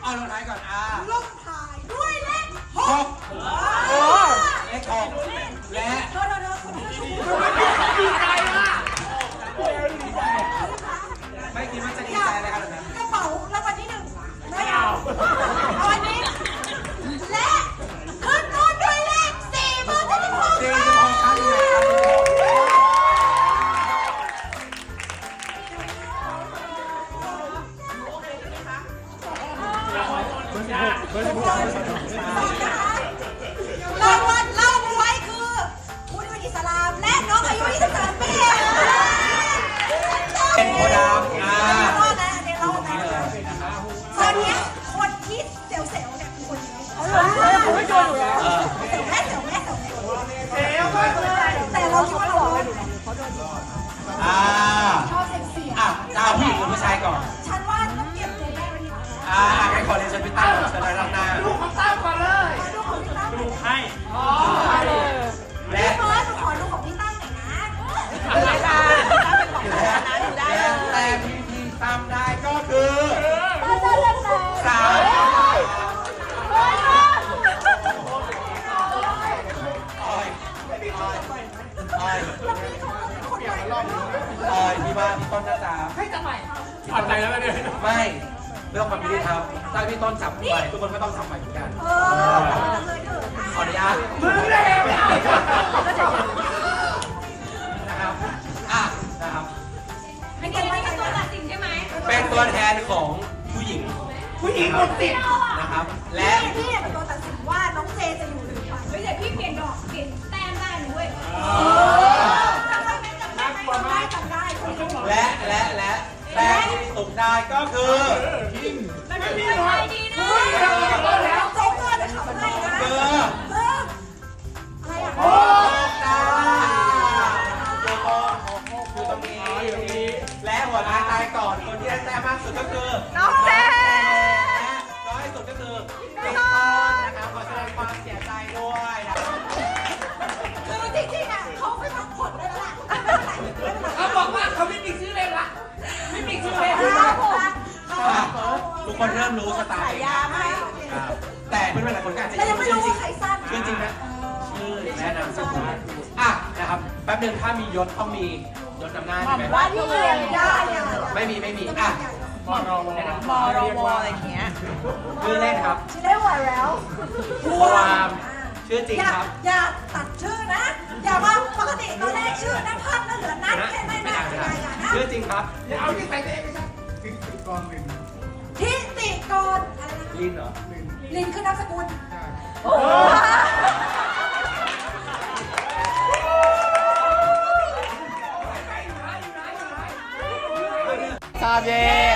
เอาลงท้ายก่อนลงท้ายด้วยเลข 6 6 เลข6และดีใจอ่ะไม่คิดว่าจะดีใจอะไรขนาดนั้นกระเป๋ารางวัลที่1ไม่เอาวันนี้และขึ้นต้นด้วยเลข4 เบอร์ที่16 ครั้งที่ไหนรางวัลเล่าไว้คือคุณเป็นอิสลามและน้องอายุ23 ปีเป็นโคดามรอดนะเดี๋ยวรอดนะตอนนี้คนที่เซลล์เนี่ยคือคนนี้เขาไม่โดนอยู่แล้วแม่แต่เราคิดว่าเรารอดชอบเสียงจะเอาผู้หญิงหรือผู้ชายก่อนฉันว่าต้องเก็บตัวแม่ไว้ดีกว่าให้ขอเรียนเชิญพี่ตั้มเชิญเลยรับหน้าลูกของตั้มก่อนเลยดูของพี่ตั้มลูกให้และเฟิร์สขอดูของพี่ตั้มหน่อยนะได้ค่ะแต่ที่ตั้มได้ก็คือ3พี่ว่าพี่ต้นน่าจะให้จับใหม่ผ่อนใจแล้วเนี่ยไม่เรื่องความยุติธรรมถ้าพี่ต้นจับใหม่ทุกคนก็ต้องจับใหม่เหมือนกันขออนุญาตมึงเลยนะครับนะครับเป็นตัวตัดสินใช่ไหมเป็นตัวแทนของผู้หญิงหมดติดนะครับและพี่เป็นตัวตัดสินว่าน้องเจจะอยู่หรือไปไม่ใช่พี่เปลี่ยนดอกเปลี่ยนแต้มได้ด้วยจำได้และแต้มที่ตกได้ก็คือมันเป็นอะไรดีนะโจ๊กเกอร์จะขับให้นะอะไรอ่ะโอ้ตาคือตรงนี้และหัวหน้าตายก่อนคนที่ได้แต้มมากสุดก็คือน้องเจน้อยสุดก็คือพี่ต้นนะครับขอแสดงความเสียใจด้วยคือจริงๆอ่ะเขาไม่พักผ่อนได้แล้วล่ะเขาบอกว่าเขาไม่มีชื่อเล่นละไม่มีชื่อเล่นทุกคนเริ่มรู้สไตล์แต่เพื่อนๆหลายคนก็อาจจะยังไม่รู้ว่าใครสั้นชื่อจริงนะชื่อและนามสกุลนะครับแป๊บนึงถ้ามียศต้องมียศนำหน้าใช่ไหมว่าที่เรียนได้ไม่มีมรวอะไรอย่างเงี้ยชื่อเล่นครับชื่อเล่นไหวแล้วความชื่อจริงครับอย่าตัดชื่อนะอย่าว่าปกติตอนแรกชื่อนักพัฒน์นั่นเหลือนักแค่ไม่ได้ชื่อจริงครับอย่าเอาที่ใส่เองไม่ใช่ทิติกรลินอะไรนะลินเหรอลินคือนามสกุลโอ้ชาเย่